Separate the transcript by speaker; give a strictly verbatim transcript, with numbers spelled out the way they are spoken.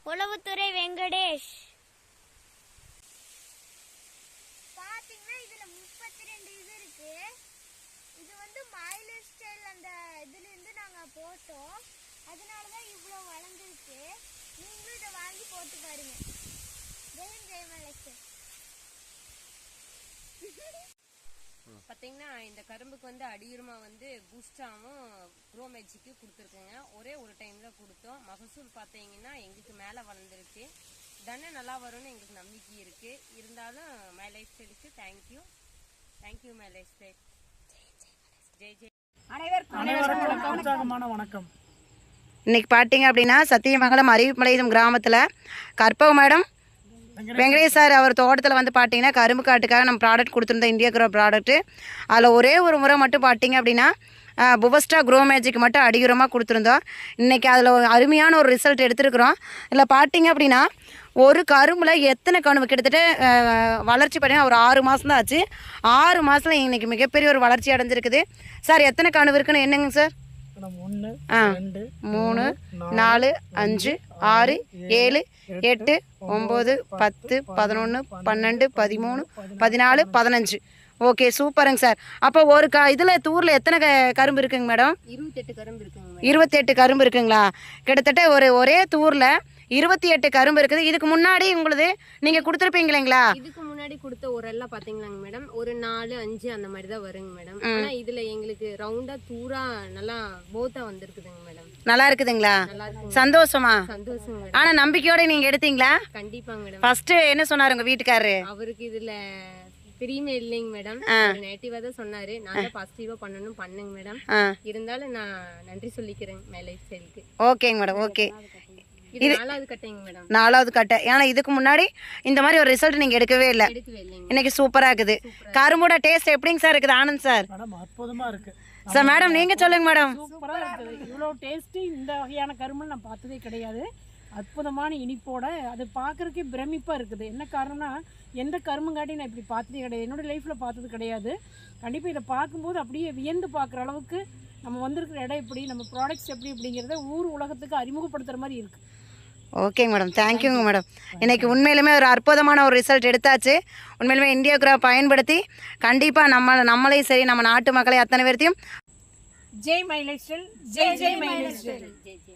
Speaker 1: உளவுத்துறை வெங்கடேஷ்.
Speaker 2: பாத்தீங்கன்னா இதுல முப்பத்தி ரெண்டு இது இருக்கு. இது வந்து மைலேஜ் ஸ்டைல் அந்த இதுல இருந்து நாங்க போட்டோம். அதனாலதான் இவ்வளவு வளர்ந்துருக்கு. நீங்களும் இதை வாங்கி போட்டு பாருங்க. ஜெயம் ஜெய் மைலேஜ்.
Speaker 3: பார்த்தீங்கன்னா இந்த கரும்புக்கு வந்து அடியுரமா வந்து பூஸ்டாவும் க்ரோ மேஜிக்கும் கொடுத்துருக்குங்க. ஒரே ஒரு டைம் தான் கொடுத்தோம். மகசூல் பார்த்தீங்கன்னா எங்களுக்கு மேலே வளர்ந்துருக்கு. தானே நல்லா வரும்னு எங்களுக்கு நம்பிக்கை இருக்கு. இருந்தாலும் மை லைஃப் ஸ்டைலுக்கு thank you thank you my life style. ஜெய் ஜெய்.
Speaker 4: அனைவருக்கும் உற்சாகமான வணக்கம்.
Speaker 5: இன்னைக்கு பார்த்தீங்க அப்படின்னா சத்தியமங்கலம் அறிவிப்பாளையம் கிராமத்தில் கற்பக மேடம் வெங்கடேஷ் சார் அவர் தோட்டத்தில் வந்து பார்த்தீங்கன்னா கரும்பு காட்டுக்காக நம்ம ப்ராடக்ட் கொடுத்துருந்தோம், இந்தியா க்ரோ ப்ராடக்ட்டு. அதில் ஒரே ஒரு முறை மட்டும் பார்த்தீங்க அப்படின்னா புவஸ்டா க்ரோ மேஜிக் மட்டும் அடியுரமாக கொடுத்துருந்தோம். இன்றைக்கி அதில் ஒரு அருமையான ஒரு ரிசல்ட் எடுத்துருக்குறோம். இதில் பார்த்தீங்க அப்படின்னா ஒரு கரும்பில் எத்தனை கணுவு கிட்டத்தட்ட வளர்ச்சி பார்த்தீங்கன்னா ஒரு ஆறு மாதம் தான் ஆச்சு. ஆறு மாதத்தில் இன்றைக்கி மிகப்பெரிய ஒரு வளர்ச்சி அடைஞ்சிருக்குது. சார் எத்தனை கணுவு இருக்குன்னு என்னங்க சார்? ஆ மூணு நாலு அஞ்சு ஆறு ஏழு எட்டு ஒம்பது பத்து பதினொன்று பன்னெண்டு பதிமூணு பதினாலு பதினஞ்சு. ஓகே சூப்பருங்க சார். அப்போ ஒரு க இதில் தூரில் எத்தனை க கரும்பு இருக்குங்க மேடம்?
Speaker 3: இருபத்தெட்டு கரும்பு இருக்குங்க.
Speaker 5: இருபத்தெட்டு கரும்பு இருக்குங்களா? கிட்டத்தட்ட ஒரு ஒரே தூரில் இருபத்தி எட்டு கரும்பு இருக்குது. இதுக்கு முன்னாடி உங்களுது நீங்கள் கொடுத்துருப்பீங்களா?
Speaker 3: இதுக்கு முன்னாடி கொடுத்த ஒரு எல்லாம் பாத்தீங்களாங்க மேடம், ஒரு நாலு அஞ்சு அந்த மாதிரி தான் வருங்க மேடம். ஆனா இதுல எங்களுக்கு ரவுண்டா தூரா நல்லா போத்தா வந்திருக்குதுங்க மேடம்.
Speaker 5: நல்லா இருக்குதுங்களா?
Speaker 3: நல்லா இருக்கு.
Speaker 5: சந்தோஷமா?
Speaker 3: சந்தோஷம் மேடம்.
Speaker 5: ஆனா நம்பிக்கையோட நீங்க எடுத்தீங்களா?
Speaker 3: கண்டிப்பாங்க மேடம்.
Speaker 5: ஃபர்ஸ்ட் என்ன சொன்னாரு உங்க வீட்டுக்காரரு?
Speaker 3: அவருக்கு இதுல பிரியுமே இல்லைங்க மேடம், நெகட்டிவா தான் சொன்னாரு. நான் தான் பாசிட்டிவா பண்ணணும் பண்ணுங்க மேடம். இருந்தாலும் நான் நன்றி சொல்லிக்கிறேன் மை லைஃப் ஸ்டைலுக்கு.
Speaker 5: ஓகேங்க மேடம். ஓகே,
Speaker 3: இது நாலாவது கட்டைங்க மேடம்.
Speaker 5: நாலாவது கட்டை. ஏன்னா இதுக்கு முன்னாடி இந்த மாதிரி ஒரு ரிசல்ட் நீங்க எடுக்கவே இல்லை.
Speaker 3: எடுக்கவே இல்லைங்க.
Speaker 5: இன்னைக்கு சூப்பரா இருக்குது. கரும்போட டேஸ்ட் எப்படிங்க சார் இருக்குது ஆனந்த் சார்?
Speaker 4: மேடம் அற்புதமா இருக்கு
Speaker 5: சார். மேடம் நீங்க சொல்லுங்க மேடம்.
Speaker 4: சூப்பரா இருக்குது. இவ்வளோ டேஸ்ட் இந்த வகையான கரும்பு நான் பார்த்ததே கிடையாது. அற்புதமான இனிப்போட அது பார்க்குறதுக்கே பிரமிப்பாக இருக்குது. என்ன காரணம்னா எந்த கரும்புங்காட்டி நான் இப்படி பார்த்ததே கிடையாது, என்னோடய லைஃப்பில் பார்த்தது கிடையாது. கண்டிப்பாக இதை பார்க்கும்போது அப்படியே வியந்து பார்க்குற அளவுக்கு நம்ம வந்திருக்கிற இடம் எப்படி, நம்ம ப்ராடக்ட்ஸ் எப்படி அப்படிங்கிறத ஊர் உலகத்துக்கு அறிமுகப்படுத்துகிற மாதிரி இருக்குது.
Speaker 5: ஓகேங்க மேடம், தேங்க்யூங்க மேடம். இன்றைக்கி உண்மையிலுமே ஒரு அற்புதமான ஒரு ரிசல்ட் எடுத்தாச்சு. உண்மையிலுமே இந்தியா க்ரோ பயன்படுத்தி கண்டிப்பாக நம்ம நம்மளையும் சரி நம்ம நாட்டு மக்களை அத்தனை பேர்த்தையும்
Speaker 4: ஜெய் மை லைஃப் ஸ்டைல், ஜெய் ஜெய் மை லைஃப் ஸ்டைல்.